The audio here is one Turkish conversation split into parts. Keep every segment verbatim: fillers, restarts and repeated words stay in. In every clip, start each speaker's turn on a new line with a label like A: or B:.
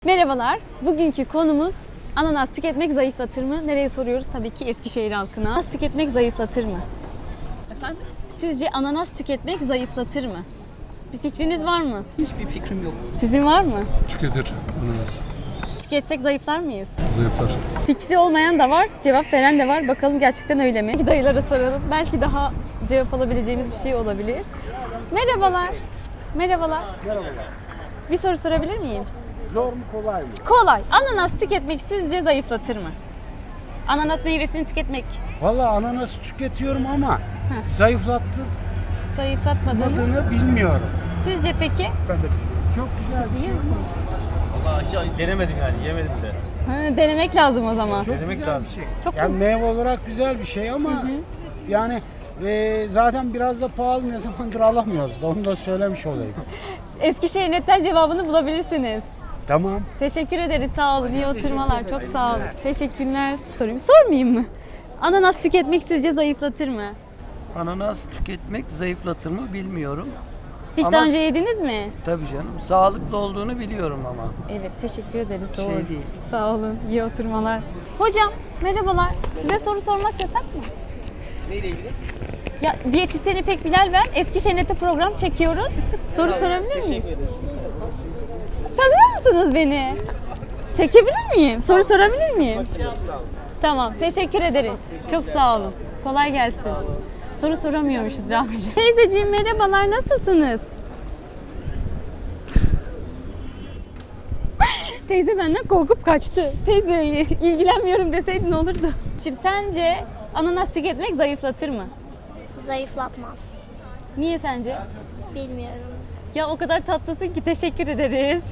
A: Merhabalar. Bugünkü konumuz ananas tüketmek zayıflatır mı? Nereye soruyoruz? Tabii ki Eskişehir halkına. Ananas tüketmek zayıflatır mı?
B: Efendim?
A: Sizce ananas tüketmek zayıflatır mı? Bir fikriniz var mı?
B: Hiçbir fikrim yok.
A: Sizin var mı?
C: Tüketir ananas.
A: Tüketsek zayıflar mıyız?
C: Zayıflar.
A: Fikri olmayan da var, cevap veren de var. Bakalım gerçekten öyle mi? Dayılara soralım. Belki daha cevap alabileceğimiz bir şey olabilir. Merhabalar. Merhabalar.
D: Merhabalar.
A: Bir soru sorabilir miyim?
D: Zor mu kolay mı?
A: Kolay. Ananas tüketmek sizce zayıflatır mı? Ananas meyvesini tüketmek
D: Valla ananas tüketiyorum ama zayıflattığını
A: zayıflatmadığını.
D: bilmiyorum.
A: Sizce peki?
D: Ben de çok güzel bir
A: Biliyor
D: şey.
A: musunuz?
E: Vallahi hiç denemedim yani, yemedim de.
A: Ha, denemek lazım o zaman.
D: Çok
E: Denemek
D: güzel
E: lazım.
D: bir şey.
A: Çok
D: Yani
A: mu?
D: meyve olarak güzel bir şey ama yani e, zaten biraz da pahalı, ne zamandır alamıyoruz da onu da söylemiş olayım.
A: Eskişehir Net'ten cevabını bulabilirsiniz.
D: Tamam.
A: Teşekkür ederiz. Sağ olun. İyi oturmalar. Çok sağ olun. Teşekkürler. Sorayım. Sormayayım mı? Ananas tüketmek sizce zayıflatır mı?
F: Ananas tüketmek zayıflatır mı bilmiyorum.
A: Hiç
F: Ama
A: daha önce
F: s-
A: yediniz mi?
F: Tabii canım. Sağlıklı olduğunu biliyorum ama.
A: Evet, teşekkür ederiz.
F: Bir
A: Doğru.
F: şey değil.
A: Sağ olun. İyi oturmalar. Hocam, merhabalar. Size soru sormak yasak mı?
E: Neyle ilgili?
A: Ya diyetisyen İpek Bilal ben. Eskişehir Net'te program çekiyoruz. Soru sorabilir miyim?
E: Teşekkür ederiz.
A: Tanıyor musunuz beni? Çekebilir miyim? Soru sorabilir miyim?
E: Sağ olun.
A: Tamam, teşekkür ederim. Çok sağ olun. Kolay gelsin. Soru soramıyormuşuz Rahmi'ciğim. Teyzeciğim merhabalar, nasılsınız? Teyze benden korkup kaçtı. Teyze ilgilenmiyorum deseydin olurdu. Şimdi sence ananas tüketmek zayıflatır mı?
G: Zayıflatmaz.
A: Niye sence?
G: Bilmiyorum.
A: Ya o kadar tatlısın ki teşekkür ederiz.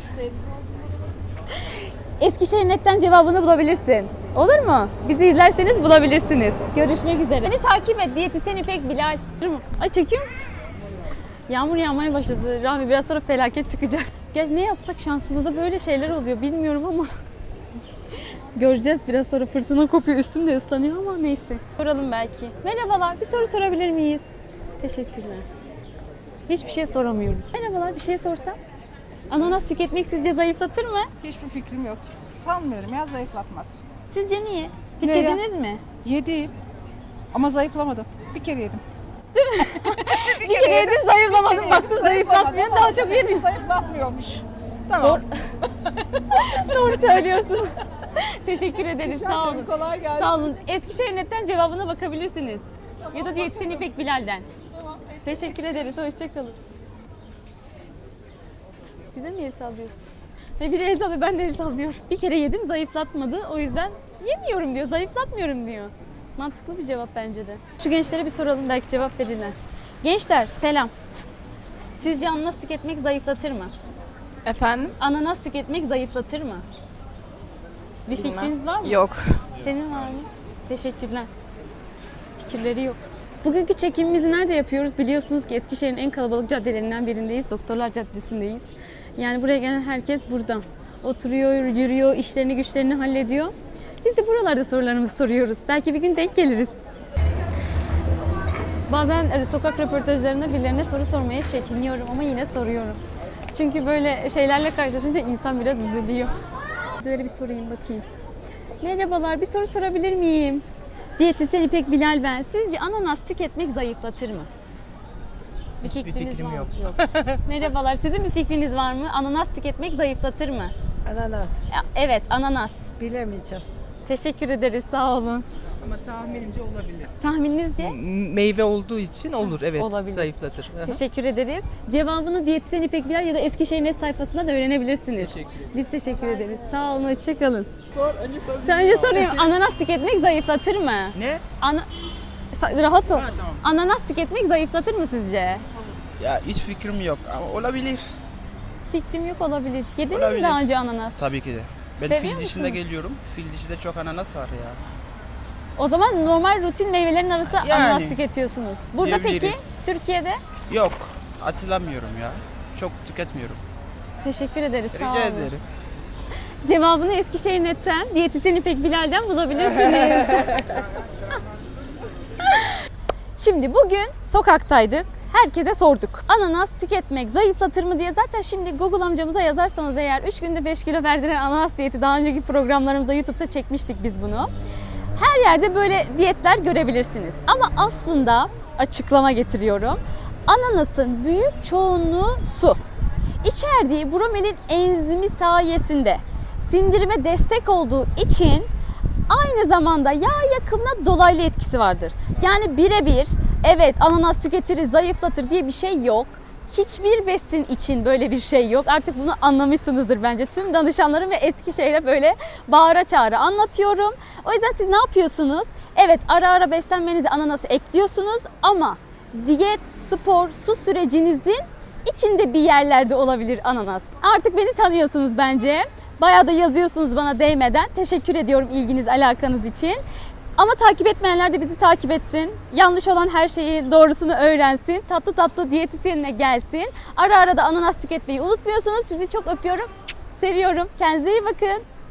A: Eskişehir Net'ten cevabını bulabilirsin. Olur mu? Bizi izlerseniz bulabilirsiniz. Görüşmek üzere. Beni takip et. Diyetisyen İpek Bilal. Ay çekiyor musun? Yağmur yağmaya başladı. Rahmi biraz sonra felaket çıkacak. Gerçi ne yapsak şansımızda böyle şeyler oluyor bilmiyorum ama. Göreceğiz, biraz sonra fırtına kopuyor. Üstüm de ıslanıyor ama neyse. Soralım belki. Merhabalar, bir soru sorabilir miyiz? Teşekkürler. Hiçbir şey soramıyoruz. Merhabalar, bir şey sorsam? Ananas tüketmek sizce zayıflatır mı?
B: Hiçbir fikrim yok. Sanmıyorum ya, zayıflatmaz.
A: Sizce niye? Hiç
B: Neden?
A: yediniz mi?
B: Yedim ama zayıflamadım. Bir kere yedim.
A: Bir kere yedim zayıflamadım. Baktım zayıflatmıyor, daha çok yedim.
B: Zayıflatmıyormuş. Tamam.
A: Doğru söylüyorsun. Teşekkür ederiz, sağ olun.
B: Kolay gelsin.
A: Sağ olun. Eskişehir Net'ten cevabına bakabilirsiniz. Ya da diyetisyen İpek Bilal'den. Teşekkür ederiz, hoşçakalın. Bize mi el sallıyorsun? Ve biri el sallıyor, ben de el sallıyorum. Bir kere yedim, zayıflatmadı. O yüzden yemiyorum diyor, zayıflatmıyorum diyor. Mantıklı bir cevap bence de. Şu gençlere bir soralım, belki cevap verirler. Gençler, selam. Sizce ananas tüketmek zayıflatır mı?
H: Efendim?
A: Ananas tüketmek zayıflatır mı? Bir fikriniz var mı?
H: Yok.
A: Senin var mı? Teşekkürler. Fikirleri yok. Bugünkü çekimimizi nerede yapıyoruz? Biliyorsunuz ki Eskişehir'in en kalabalık caddelerinden birindeyiz. Doktorlar Caddesi'ndeyiz. Yani buraya gelen herkes burada. Oturuyor, yürüyor, işlerini güçlerini hallediyor. Biz de buralarda sorularımızı soruyoruz. Belki bir gün denk geliriz. Bazen sokak röportajlarında birilerine soru sormaya çekiniyorum ama yine soruyorum. Çünkü böyle şeylerle karşılaşınca insan biraz üzülüyor. Böyle bir sorayım bakayım. Merhabalar, bir soru sorabilir miyim? Diyetisyen İpek Bilal ben. Sizce ananas tüketmek zayıflatır mı? Bir fikriniz var mı?
F: yok.
A: Merhabalar, sizin bir fikriniz var mı? Ananas tüketmek zayıflatır mı?
I: Ananas.
A: Ya, evet, ananas.
I: Bilemeyeceğim.
A: Teşekkür ederiz, sağ olun.
B: Ama tahminimce olabilir.
A: Tahmininizce?
H: Meyve olduğu için olur, evet,
A: Olabilir.
H: zayıflatır. Aha.
A: Teşekkür ederiz. Cevabını diyetisyen İpek Bilal ya da Eskişehir Net sayfasından da öğrenebilirsiniz.
F: Teşekkür ederim.
A: Biz teşekkür ederiz. Sağ olun, hoşçakalın.
E: Sor, önce sor.
A: Önce sorayım, ananas tüketmek zayıflatır mı?
E: Ne?
A: Ana... Sa- Rahat ol.
E: Ha, tamam.
A: Ananas tüketmek zayıflatır mı sizce?
E: Ya hiç fikrim yok ama olabilir.
A: Fikrim yok, olabilir. Yediniz mi
E: Olabilir.
A: daha önce ananas?
E: Tabii ki de. Ben
A: Seviyor
E: fil dişinde
A: musunuz?
E: geliyorum. Fil dişinde çok ananas var ya.
A: O zaman normal rutin meyvelerin arasında
E: Yani.
A: ananas tüketiyorsunuz. Burada peki
E: Diyebiliriz.
A: Türkiye'de?
E: Yok, hatırlamıyorum ya. Çok tüketmiyorum.
A: Teşekkür ederiz. Sağ
E: Rica
A: olun.
E: ederim.
A: Cevabını Eskişehir Net'ten, diyetisyen İpek Bilal'den bulabilirsiniz. Şimdi bugün sokaktaydık. herkese sorduk. Ananas tüketmek zayıflatır mı diye. Zaten şimdi Google amcamıza yazarsanız eğer üç günde beş kilo verdiren ananas diyeti, daha önceki programlarımızda YouTube'da çekmiştik biz bunu. Her yerde böyle diyetler görebilirsiniz. Ama aslında açıklama getiriyorum. Ananasın büyük çoğunluğu su. İçerdiği bromelin enzimi sayesinde sindirime destek olduğu için aynı zamanda yağ yakımına dolaylı etkisi vardır. Yani birebir evet ananas tüketir, zayıflatır diye bir şey yok. Hiçbir besin için böyle bir şey yok. Artık bunu anlamışsınızdır bence. Tüm danışanlarım ve Eskişehir'e böyle bağıra çağıra anlatıyorum. O yüzden siz ne yapıyorsunuz? Evet, ara ara beslenmenize ananası ekliyorsunuz ama diyet, spor, su sürecinizin içinde bir yerlerde olabilir ananas. Artık beni tanıyorsunuz bence. Bayağı da yazıyorsunuz bana değmeden. Teşekkür ediyorum ilginiz, alakanız için. Ama takip etmeyenler de bizi takip etsin. Yanlış olan her şeyi doğrusunu öğrensin. Tatlı tatlı diyetisyenine gelsin. Ara ara da ananas tüketmeyi unutmuyorsunuz. Sizi çok öpüyorum. Seviyorum. Kendinize iyi bakın.